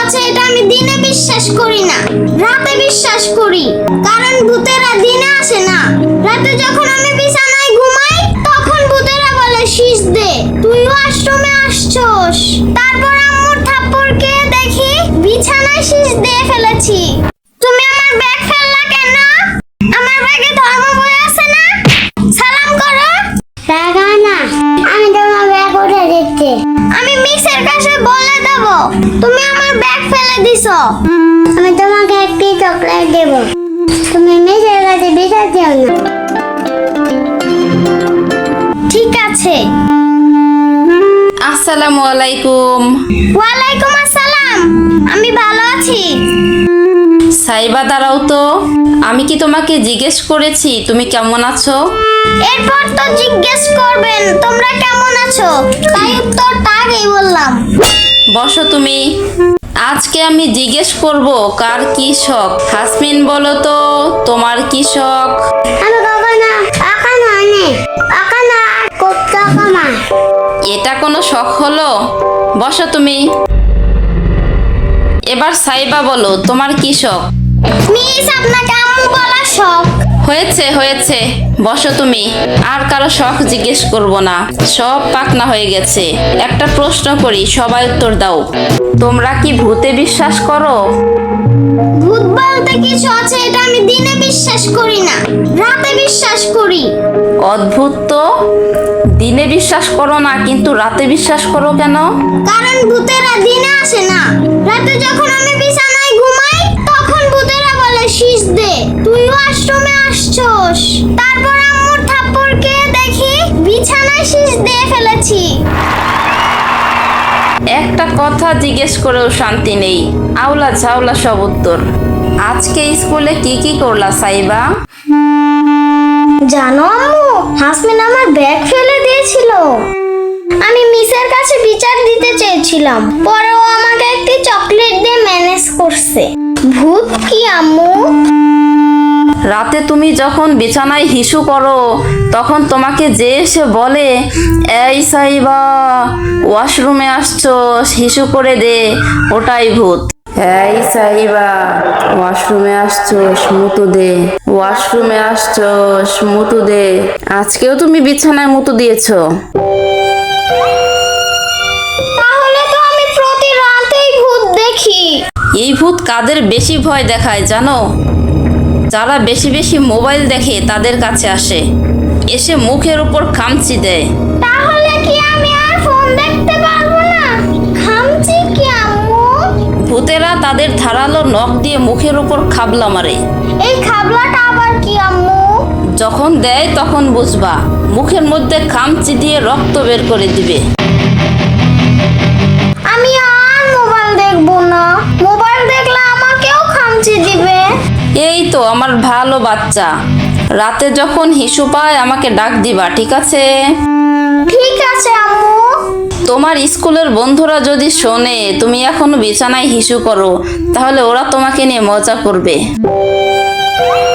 আছে এটা আমি দিনে বিশ্বাস করি না, রাতে বিশ্বাস করি। কারণ ভূতেরা দিনে আসে না, রাতে যখন আমি বিছানায় ঘুমাই তখন ভূতেরা বলে শীষ দে, তুই ওয়াশরুমে আসছস। তারপর আম্মুর থাপ্পড় খেয়ে দেখি বিছানায় শীষ দিয়ে ফেলেছি। তুমি আমার ব্যাগ ফেললা কেন? আমার ব্যাগে ধর্ম বই আছে না? সালাম করো। টাকা না, আমি তোমার ব্যাগ উঠে দিচ্ছি। আমি মিসের কাছে বলে দেব তুমি আমার ব্যাগ ফেলে দিছো। আমি তোমাকে একটি চকলেট দেব, তুমি মেয়ের কাছে বিচার দিও না। ঠিক আছে। আসসালামু আলাইকুম। ওয়ালাইকুম আসসালাম, আমি ভালো আছি। সাইবা দাঁড়াও তো, আমি কি তোমাকে জিজ্ঞেস করেছি তুমি কেমন আছো? এরপর তো জিজ্ঞেস করবেন তোমরা কেমন আছো, তাই উত্তরটা আগেই বললাম। বসো তুমি। আজকে আমি জিজ্ঞেস করব কার কি শখ। হাসমিন বলো তো তোমার কি শখ? আমি কখনো এখনো অনেক এখনো আর খুব টাকা। এটা কোনো শখ হলো? বসো তুমি। এবার সাইবা বলো তোমার কি শখ? মিস আপনাকে আম্মু বলা শখ। হয়েছে হয়েছে, বসো তুমি। আর কারো শখ জিজ্ঞেস করব না, সব পাকনা হয়ে গেছে। একটা প্রশ্ন করি, সবাই উত্তর দাও। তোমরা কি ভূতে বিশ্বাস করো? ভূত বলতে কিছু আছে এটা আমি দিনে বিশ্বাস করি না, রাতে বিশ্বাস করি। অদ্ভুত তো, দিনে বিশ্বাস করো না কিন্তু রাতে বিশ্বাস করো কেন? কারণ ভূতেরা দিনে আসে না, রাতে যখন আমি বিছানায় ঘুমাই তখন ভূতেরা বলে শীষ দে, তুই ওয়াশরুমে আসছস। তারপর আম্মুর থাপ্পড় খেয়ে দেখি বিছানায় শীষ দিয়ে ফেলেছি। একটা কথা জিজ্ঞেস করেও শান্তি নেই, আউলা ঝাউলা সব উত্তর। আজকে স্কুলে কি কি করলা সাইবা? জানো আম্মু, হাসমিন আমার ব্যাগ ফেলে দিয়েছিল। আমি মিসের কাছে বিচার দিতে চেয়েছিলাম, পরে ও আমাকে একটি চকলেট দিয়ে ম্যানেজ করছে। ভূত কি আম্মু? রাতে তুমি যখন বিছানায় হিসু করো তখন তোমাকে যে এসে বলে এই সাইবা ওয়াশরুমে আসছস, হিসু করে দে, ওটাই ভূত। এই সাইবা ওয়াশরুমে আসছস, মুতু দে, ওয়াশরুমে আসছস, মুতু দে। আজকেও তুমি বিছানায় মুতু দিয়েছো। তাহলে তো আমি প্রতি রাতেই ভূত দেখি। এই ভূত কাদের বেশি ভয় দেখায় জানো? যারা বেশি বেশি মোবাইল দেখে তাদের কাছে আসে, এসে মুখের উপর খামচি দেয়। তাহলে কি আমি আর ফোন দেখতে পারবো না? খামচি কি আম্মু? ভূতেরা তাদের ধারালো নখ দিয়ে মুখের উপর খাবলা মারে। এই খাবলাটা আবার কি আম্মু? যখন দেয় তখন বুঝবা, মুখের মধ্যে খামচি দিয়ে রক্ত বের করে দিবে। আমি আর মোবাইল দেখবো না, মোবাইল দেখলে আমাকেও খামচি দিবে। এই তো আমার ভালো বাচ্চা, রাতে যখন হিসু পায় আমাকে ডাক দিবা, ঠিক আছে? ঠিক আছে আম্মু। তোমার স্কুলের বন্ধুরা যদি শোনে তুমি এখনো বিছানায় হিসু করো তাহলে ওরা তোমাকে নিয়ে মজা করবে।